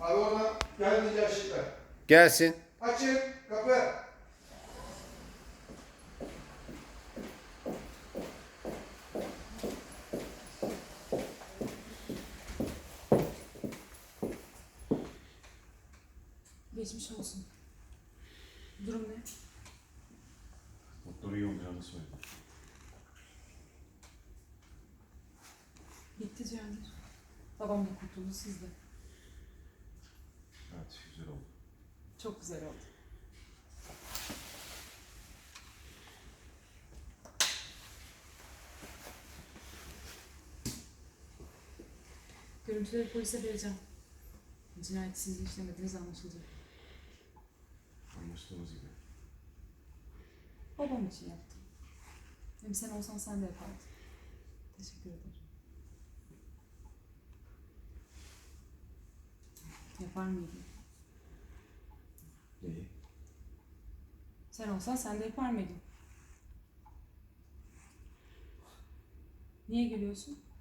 Abi oradan gelmeyince ışıklar. Gelsin. Açın kapı. Geçmiş olsun. Durum ne? Doktor iyi olacağını söyledi. Bitti Cihangir. Babam da kurtuldu, siz de. Evet, güzel oldu. Çok güzel oldu. Görüntüleri polise vereceğim. Cinayeti siz işlemediğiniz anlaşılacak. Anlaştığımız gibi. Babam için yaptım. Hem sen olsan sen de yapardın. Teşekkür ederim. Yapar mıydın? Neyi? Sen olsan sen de yapar mıydın? Niye gülüyorsun?